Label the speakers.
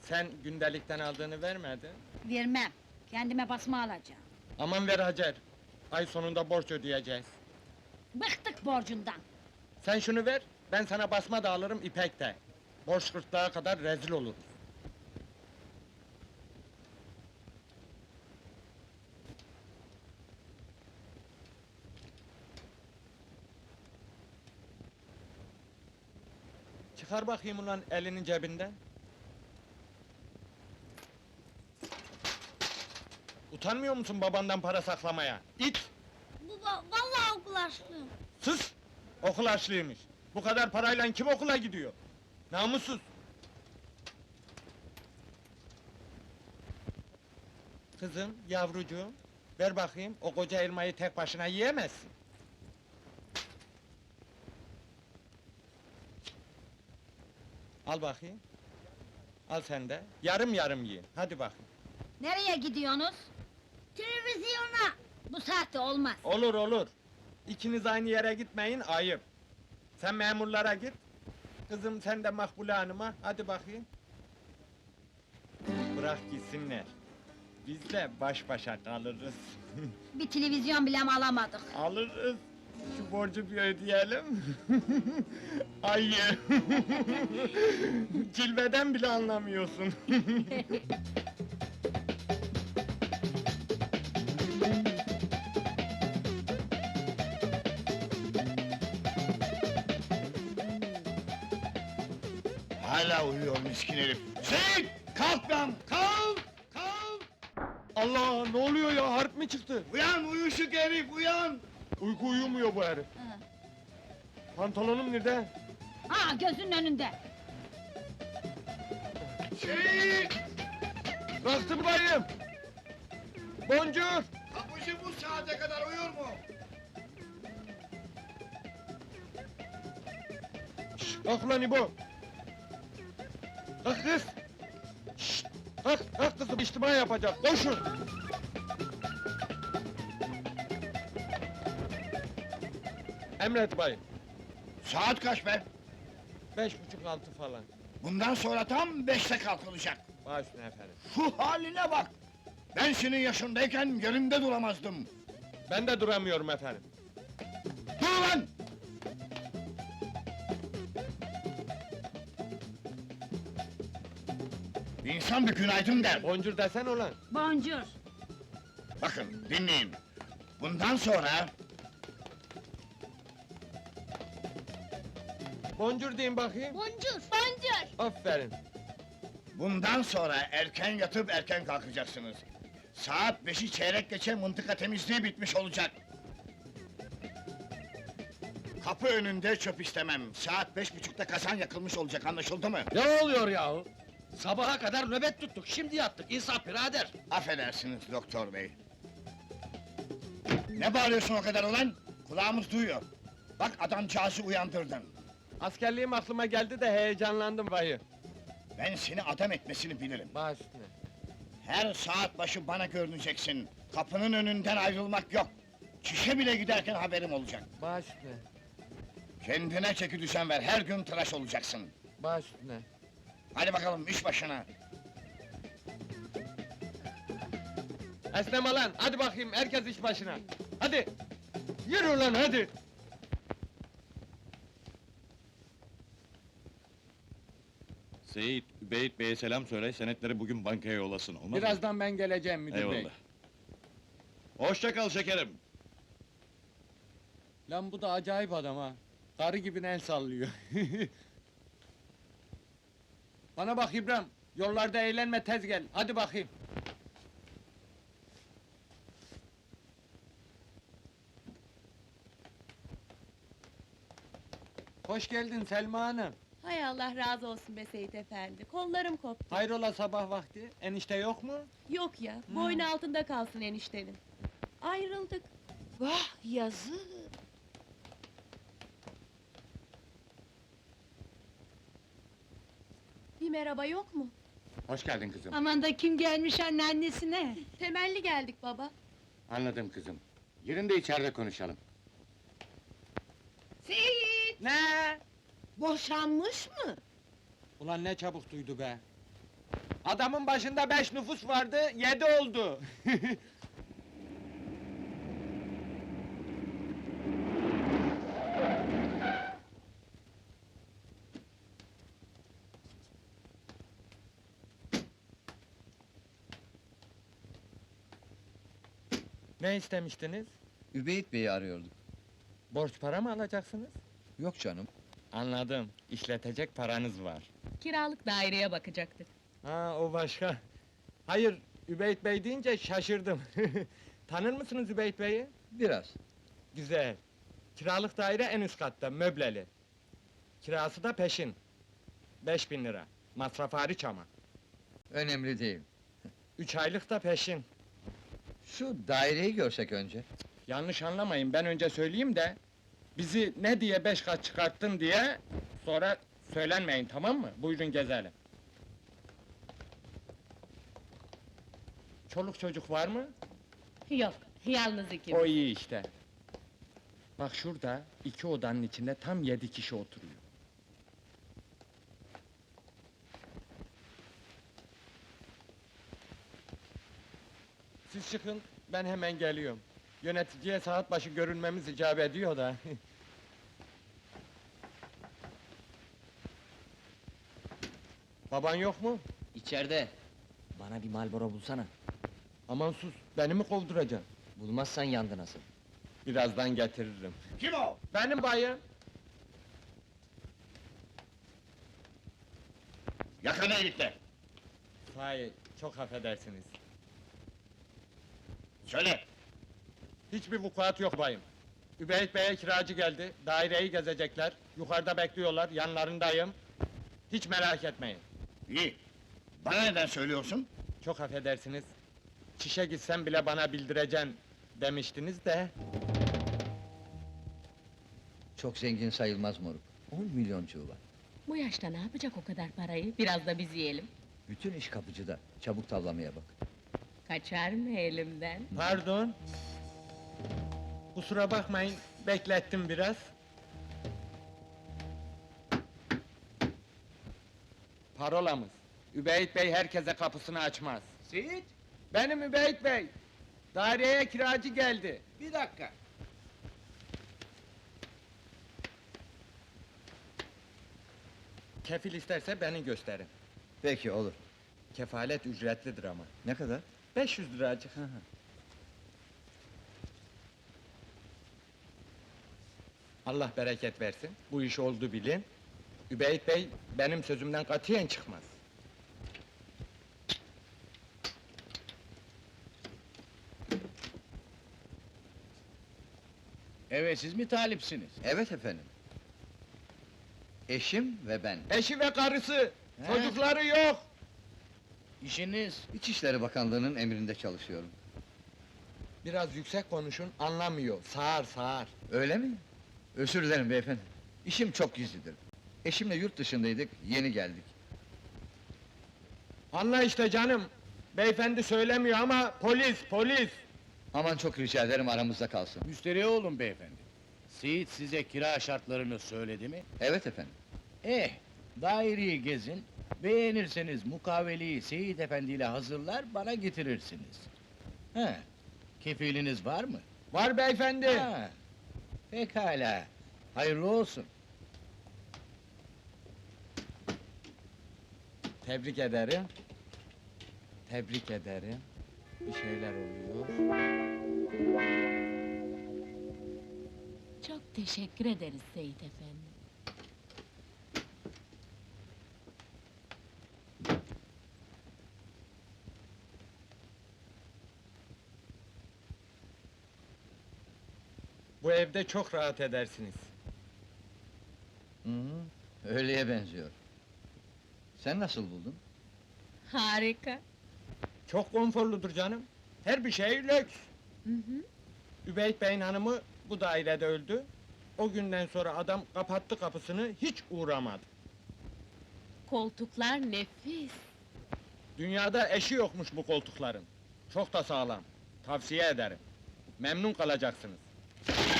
Speaker 1: Sen gündelikten aldığını vermedin.
Speaker 2: Vermem. Kendime basma alacağım.
Speaker 1: Aman ver Hacer. Ay sonunda borç ödeyeceğiz.
Speaker 2: Bıktık borcundan.
Speaker 1: Sen şunu ver, ben sana basma da alırım ipek de. Borç gırtlağa kadar rezil oluruz. Çıkar bakayım ulan elinin cebinden. Utanmıyor musun babandan para saklamaya? İt!
Speaker 3: Baba, vallahi okul açlığım.
Speaker 1: Sus! Okul açlıymış. Bu kadar parayla kim okula gidiyor? Namussuz! Kızım, yavrucuğum, ver bakayım, o koca elmayı tek başına yiyemezsin. Al bakayım. Al sen de, yarım yarım yiyin, hadi bakayım.
Speaker 2: Nereye gidiyorsunuz?
Speaker 3: Televizyona.
Speaker 2: Bu saatte olmaz.
Speaker 1: Olur olur. İkiniz aynı yere gitmeyin, ayıp. Sen memurlara git. Kızım sen de Makbule Hanım'a, hadi bakayım. Bırak gitsinler. Biz de baş başa kalırız.
Speaker 2: Bir televizyon bile mi alamadık?
Speaker 1: Alırız. Şu borcu bir ödeyelim. Ayı. Cilveden bile anlamıyorsun.
Speaker 4: Hala uyuyor miskin herif. Seyit! Kalk lan! Kalk! Kalk!
Speaker 1: Allah, ne oluyor ya? Harp mi çıktı?
Speaker 4: Uyan uyuşuk herif, uyan!
Speaker 1: Uyku uyumuyor bu herif. Pantolonum nerede?
Speaker 2: Ha, gözünün önünde.
Speaker 4: Seyit!
Speaker 1: Kalktım bayım. Boncuk.
Speaker 4: Kapıcı bu saate kadar uyur mu?
Speaker 1: Kalk ulan İbo! Kalk kız! Şşt! Kalk kızım, içtima yapacak, koşun! Emret bayım,
Speaker 4: Saat kaç be?
Speaker 1: 5.30-6 falan.
Speaker 4: Bundan sonra tam 5'te kalkılacak.
Speaker 1: Baş üstüne efendim.
Speaker 4: Şu haline bak! Ben senin yaşındayken yerimde duramazdım.
Speaker 1: Ben de duramıyorum efendim.
Speaker 4: Dur lan! İnsan bir günaydın der.
Speaker 1: Boncuk desen ulan!
Speaker 2: Boncuk.
Speaker 4: Bakın, dinleyin. Bundan sonra
Speaker 1: Boncuk deyin bakayım.
Speaker 3: Boncuk. Boncuk.
Speaker 1: Aferin.
Speaker 4: Bundan sonra erken yatıp erken kalkacaksınız. Saat 5'i çeyrek geçe mıntıka temizliği bitmiş olacak. Kapı önünde çöp istemem. Saat 5.30'da kazan yakılmış olacak, anlaşıldı mı?
Speaker 5: Ne oluyor yahu? Sabaha kadar nöbet tuttuk, şimdi yattık. İnsaf birader!
Speaker 4: Affedersiniz doktor bey. Ne bağırıyorsun o kadar ulan? Kulağımız duyuyor. Bak adamcağızı uyandırdın.
Speaker 1: Askerliğim aklıma geldi de heyecanlandım bayım.
Speaker 4: Ben seni adam etmesini bilirim.
Speaker 1: Baş üstüne.
Speaker 4: Her saat başı bana görüneceksin. Kapının önünden ayrılmak yok. Çişe bile giderken haberim olacak.
Speaker 1: Baş üstüne.
Speaker 4: Kendine çeki düzen ver, her gün tıraş olacaksın.
Speaker 1: Baş üstüne.
Speaker 4: Hadi bakalım iş başına.
Speaker 1: Esneme lan, hadi bakayım, herkes iş başına! Hadi! Yürü lan, hadi!
Speaker 6: Seyit, Übeyit Bey'e selam söyle, senetleri bugün bankaya yollasın, olmaz mı?
Speaker 1: Birazdan ben geleceğim müdür bey.
Speaker 6: Eyvallah. Hoşça kal şekerim.
Speaker 1: Lan bu da acayip adam ha! Karı gibi el sallıyor. Bana bak İbrahim, yollarda eğlenme tez gel, hadi bakayım! Hoş geldin Selma Hanım!
Speaker 7: Hay Allah razı olsun be Seyit efendi, kollarım koptu.
Speaker 1: Hayrola sabah vakti, enişte yok mu?
Speaker 7: Yok ya, boynu altında kalsın eniştenin. Ayrıldık.
Speaker 2: Vah, yazık!
Speaker 7: Bir merhaba yok mu?
Speaker 6: Hoş geldin kızım.
Speaker 2: Aman da kim gelmiş anneannesine?
Speaker 7: Temelli geldik baba.
Speaker 6: Anladım kızım. Yerinde içeride konuşalım.
Speaker 2: Seyit!
Speaker 1: Ne?
Speaker 2: Boşanmış mı?
Speaker 1: Ulan ne çabuk duydu be! Adamın başında 5 nüfus vardı, 7 oldu. Ne istemiştiniz?
Speaker 8: Übeyit Bey'i arıyorduk.
Speaker 1: Borç para mı alacaksınız?
Speaker 8: Yok canım.
Speaker 1: Anladım, işletecek paranız var.
Speaker 7: Kiralık daireye bakacaktık.
Speaker 1: Ha, o başka. Hayır, Übeyt Bey deyince şaşırdım. Tanır mısınız Übeyt Bey'i?
Speaker 8: Biraz.
Speaker 1: Güzel. Kiralık daire en üst katta, möbleli. Kirası da peşin. 5.000 lira. Masraf hariç ama.
Speaker 8: Önemli değil.
Speaker 1: 3 aylık da peşin.
Speaker 8: Şu daireyi görsek önce.
Speaker 1: Yanlış anlamayın, ben önce söyleyeyim de... ...bizi ne diye 5 kat çıkarttın diye... ...sonra söylenmeyin, tamam mı? Buyurun gezelim. Çoluk çocuk var mı?
Speaker 7: Yok, yalnız ikimiz.
Speaker 1: O iyi işte. Bak şurada, 2 odanın içinde tam 7 kişi oturuyor. Siz çıkın, ben hemen geliyorum. Yöneticiye saat başı görünmemiz icap ediyor da. Baban yok mu?
Speaker 9: İçeride. Bana bir Marlboro bulsana.
Speaker 1: Aman sus, beni mi kovduracaksın?
Speaker 9: Bulmazsan yandı nasıl?
Speaker 1: Birazdan getiririm.
Speaker 4: Kim o?
Speaker 1: Benim bayım.
Speaker 4: Yakala herifler.
Speaker 1: Sahi, çok affedersiniz.
Speaker 4: Söyle.
Speaker 1: Hiçbir vukuat yok bayım. Übeyt Bey'e kiracı geldi, daireyi gezecekler, yukarıda bekliyorlar, yanlarındayım. Hiç merak etmeyin.
Speaker 4: İyi. Bana neden söylüyorsun?
Speaker 1: Çok affedersiniz. Çişe gitsem bile bana bildireceksin demiştiniz de...
Speaker 8: Çok zengin sayılmaz moruk. 10 milyoncuğu var.
Speaker 7: Bu yaşta ne yapacak o kadar parayı? Biraz da biz yiyelim.
Speaker 8: Bütün iş kapıcıda. Çabuk tavlamaya bak.
Speaker 7: Kaçar mı elimden?
Speaker 1: Pardon. Kusura bakmayın, beklettim biraz. Parolamız. Übeyt Bey herkese kapısını açmaz.
Speaker 5: Seyit,
Speaker 1: Benim Übeyt Bey. Daireye kiracı geldi.
Speaker 5: bir dakika.
Speaker 1: Kefil isterse beni gösterin.
Speaker 8: Peki olur.
Speaker 1: Kefalet ücretlidir ama.
Speaker 8: Ne kadar?
Speaker 1: 500 liracık. Allah bereket versin. Bu iş oldu bilin. Übeyt Bey benim sözümden katiyen çıkmaz.
Speaker 5: Evet, siz mi talipsiniz?
Speaker 8: Evet efendim. Eşim ve ben.
Speaker 1: Eşi ve karısı,
Speaker 5: He.
Speaker 1: çocukları yok.
Speaker 5: İşiniz?
Speaker 8: İçişleri Bakanlığı'nın emrinde çalışıyorum.
Speaker 1: Biraz yüksek konuşun, anlamıyor. Sağır sağır.
Speaker 8: Öyle mi? Özür dilerim beyefendi. İşim çok gizlidir. Eşimle yurt dışındaydık, yeni geldik.
Speaker 1: Anla işte canım. Beyefendi söylemiyor ama polis.
Speaker 8: Aman çok rica ederim aramızda kalsın.
Speaker 10: Müşteri olun beyefendi. Seyit size kira şartlarını söyledi mi?
Speaker 8: Evet efendim.
Speaker 10: Daireyi gezin, beğenirseniz mukaveleyi Seyit Efendi ile hazırlar, bana getirirsiniz. Kefiliniz var mı?
Speaker 1: Var beyefendi.
Speaker 10: Ha, pekala, hayırlı olsun.
Speaker 1: Tebrik ederim. Tebrik ederim. Bir şeyler oluyor.
Speaker 7: Çok teşekkür ederiz Seyit Efendi.
Speaker 1: Bu evde çok rahat edersiniz.
Speaker 8: Hı hı, öyleye benziyor. Sen nasıl buldun?
Speaker 7: Harika.
Speaker 1: Çok konforludur canım. Her bir şey lüks.
Speaker 7: Hı hı.
Speaker 1: Übeyt Bey'in hanımı bu dairede öldü. O günden sonra adam kapattı kapısını, hiç uğramadı.
Speaker 7: Koltuklar nefis.
Speaker 1: Dünyada eşi yokmuş bu koltukların. Çok da sağlam. Tavsiye ederim. Memnun kalacaksınız.